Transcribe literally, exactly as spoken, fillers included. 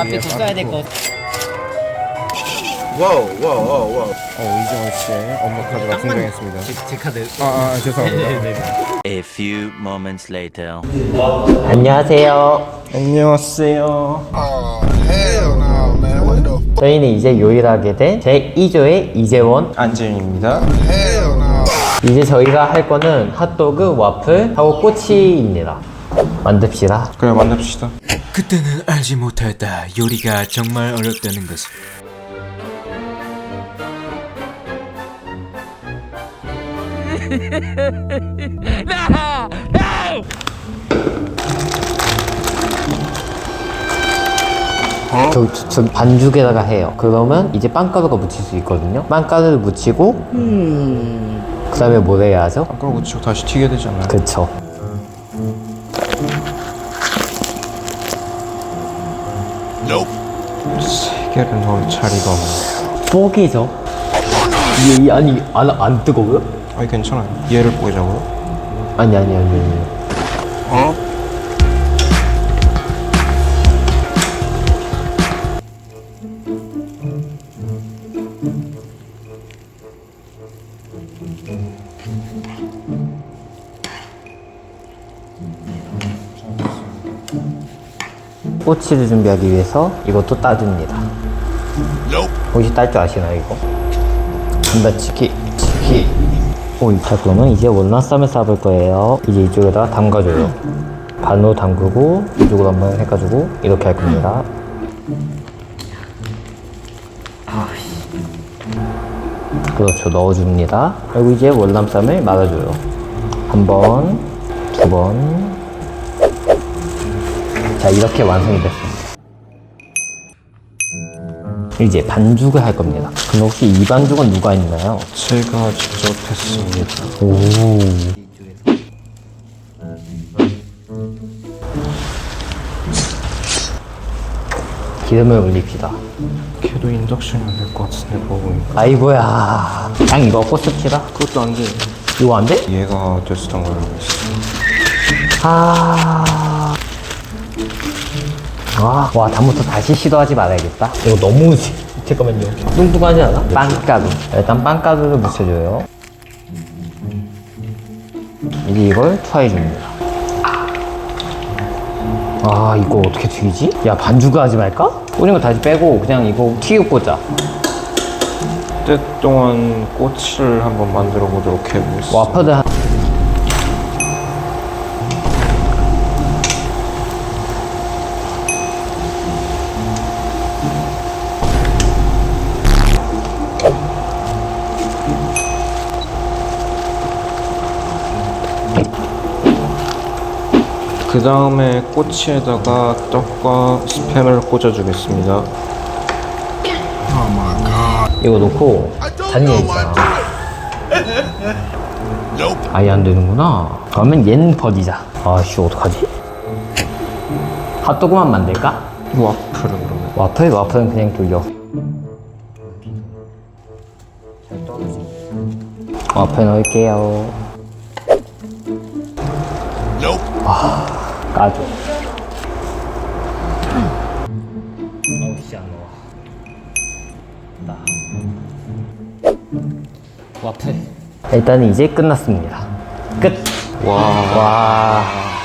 앞에 더 써야 될 것 같아. 와우 와우 와우 와우. 어, 이정원 씨의 업무 카드가 등장했습니다. 제, 제 카드. 아, 아 죄송합니다. A few moments later. 안녕하세요. 안녕하세요. 저희는 이제 요일하게 된 제이 조의 이재원. 안재윤입니다. 이제 저희가 할 거는 핫도그, 와플, 하고 꼬치입니다. 만듭시다. 그래, 만납시다. 그때는 알지 못했다. 요리가 정말 어렵다는 것을. 저, 저, 저 반죽에다가 해요. 그러면 이제 빵가루가 묻힐 수 있거든요. 빵가루를 묻히고 그 다음에 뭘 해야 하죠? 아까 우측 다시 튀게 되잖아요. 그쵸. 세 개를 넣을 자리가 없네. 뽀기죠. 이, 이, 아니 안, 안 뜨거워요? 아니 괜찮아요. 얘를 뽀개자고요? 아니 아니 아니 아니. 어? 꼬치를 준비하기 위해서 이것도 따줍니다. 혹시 딸 줄 아시나요 이거? 감자치기 치기. 오, 자 그러면 이제 월남쌈을 싸볼 거예요. 이제 이쪽에다 담가줘요. 반으로 담그고 이쪽으로 한번 해가지고 이렇게 할 겁니다. 그렇죠, 넣어줍니다. 그리고 이제 월남쌈을 말아줘요. 한 번, 두 번. 자, 이렇게 완성이 됐습니다. 이제 반죽을 할 겁니다. 그럼 혹시 이 반죽은 누가 했나요? 제가 직접 했습니다. 오. 기름을 올립시다. 걔도 인덕션이 안 될 것 같은데 보고 보니까. 아이고야. 그냥 이거 꽂습시다. 그것도 안 돼. 이거 안 돼? 얘가 됐었던 걸로 알고 있어. 아. 아, 와, 다음부터 다시 시도하지 말아야겠다. 이거 너무, 잠깐만요. 뚱뚱하지 않아? 빵가루. 일단 빵가루를 묻혀줘요. 이제 이걸 투하해줍니다. 아, 이거 어떻게 튀기지? 야, 반죽을 하지 말까? 꽂은 거 다시 빼고 그냥 이거 튀기고 꽂자. 그때 동안 꼬치를 한번 만들어 보도록 해보겠습니다. 와퍼드 한... 그 다음에 꼬치에다가 떡과 스팸을 꽂아주겠습니다. 이거 놓고 잔여 있잖아. 아예 안 되는구나. 그러면 얘는 버리자. 아씨, 어떡하지? 핫도그만 만들까? 와플은 그러면? 와플? 와플은 그냥 돌려. 와플 넣을게요. 와, 까줘. 어우 씨, 안 나와. 와플. 일단 이제 끝났습니다. 끝. 와. 와.